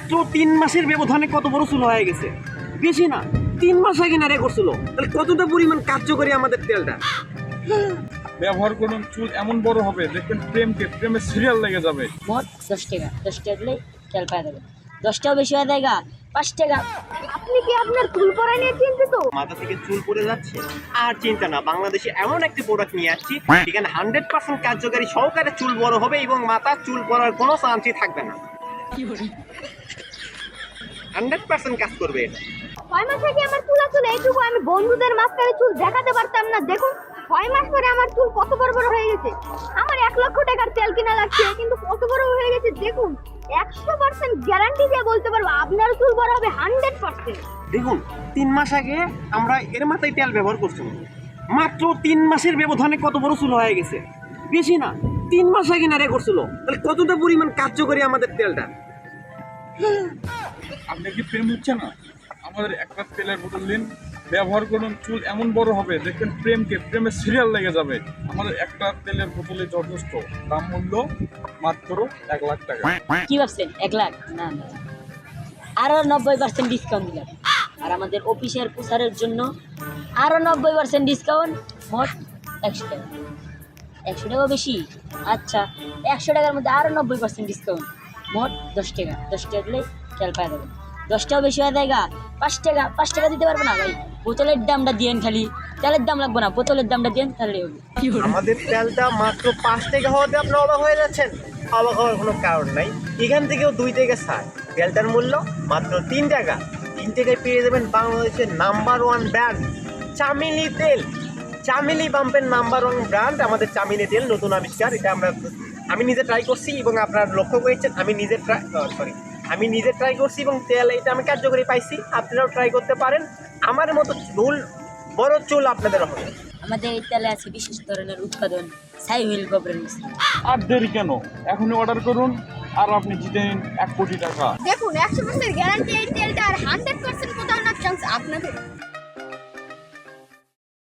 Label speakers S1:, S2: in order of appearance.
S1: মাত্র 3 মাসের ব্যবধানে কত বড় চুল হয়ে গেছে, বেশি না 3 মাস আগে নারে করছিল, তাহলে কতটা পরিমাণ কার্যকরী আমাদের তেলটা।
S2: ব্যবহার করুন, চুল এমন বড় হবে দেখবেন প্রেমে সিরিয়াল লেগে যাবে।
S3: মোট 10 টাকা, 10 টাকা দিলে তেল পাওয়া যাবে। 10টাও বেশি হয়ে যায় গা, 5 টাকা।
S4: আপনি কি আপনার চুল পড়া নিয়ে চিন্তিত?
S1: মাথা থেকে চুল পড়ে যাচ্ছে আর চিন্তা না, বাংলাদেশে এমন একটি প্রোডাক্ট নিয়ে আসছি এখানে 100% কার্যকারী সহকারে চুল বড় হবে এবং মাথা চুল পড়ার কোনো চান্সই থাকবে না। 100% কাজ করবে এটা।
S4: 6 মাস আগে আমার চুল আসলে এইটুকু, আমি বন্ধুদের মাঝখানে চুল দেখাতে পারতাম না। দেখুন 6 মাস পরে আমার চুল কত বড় বড় হয়ে গেছে। আমার 1 লক্ষ টাকার তেল কিনা লাগছে কিন্তু কত বড় হয়ে গেছে দেখুন। 100% গ্যারান্টি দিয়ে বলতে পারবো আপনার চুল বড় হবে 100%।
S1: দেখুন 3 মাস আগে আমরা এর মাথায় তেল ব্যবহার করছি, মাত্র 3 মাসের ব্যবধানে কত বড় চুল হয়ে গেছে, বেশি না 3 মাস আগে নারে করছিল, তাহলে কতটা পরিমাণ কার্যকরী আমাদের তেলটা।
S2: আপনি কি প্রেম হচ্ছে না? আমাদের একটা তেলের বোতল দিন, ব্যবহার করুন, চুল এমন বড় হবে দেখবেন প্রেমে সিরিয়াল লেগে যাবে। আমাদের একটা তেলের বোতলে যথেষ্ট, দাম মূল্য মাত্র 1 লাখ টাকা।
S3: কি ভাবছেন 1 লাখ? না না, আরো 90% ডিসকাউন্ট দিলাম। আর আমাদের অফিসের প্রচারের জন্য আরো 90% ডিসকাউন্ট, মোট 100 টাকা। 100 টাকা বেশি? আচ্ছা, 100 টাকার মধ্যে আরো 90% ডিসকাউন্ট, মোট 10 টাকা। 10 টাকা দিলে তেল পাওয়া যাবে। 10টাও বেশি হয়ে যায় গা, 5 টাকা। 5 টাকা দিতে পারবো না ভাই, বোতলের দামটা দিয়েন, খালি তেলের দাম লাগবে না, বোতলের দামটা দিয়েন তাহলে হবে।
S1: আমাদের তেলটা মাত্র 5 টাকা হওয়াতে আপনি অবাক হয়ে যাচ্ছেন? অবাক হওয়ার কোনো কারণ নাই, এখান থেকেও 2 টাকা ছাড়। তেলটার মূল্য মাত্র 3 টাকা। 3 টাকায় পেয়ে যাবেন বাংলাদেশের নাম্বার 1 ব্র্যান্ড চামেলি তেল। চামেলি পাম্পের নাম্বার 1 ব্র্যান্ড আমাদের চামেলি তেল, নতুন আবিষ্কার। এটা আমি নিজে ট্রাই করছি এবং আপনারা লক্ষ্য করেছেন আমি নিজে ট্রাই করছি এবং তেল এটা আমি কার্যকরী পাইছি। আপনারাও ট্রাই করতে পারেন, আমার মতো বড় চুল আপনাদের হবে।
S3: আমাদের এই তেলে আছে বিশেষ ধরনের উৎপাদন সাইহুইল গোবরের মিশ্রণ।
S2: আর দেরি কেন, এখনই অর্ডার করুন আর আপনি জিতে নিন 1 কোটি টাকা।
S4: দেখুন 100% গ্যারান্টি এই তেলটা, আর 100% কোথাও না চান্স আপনাদের।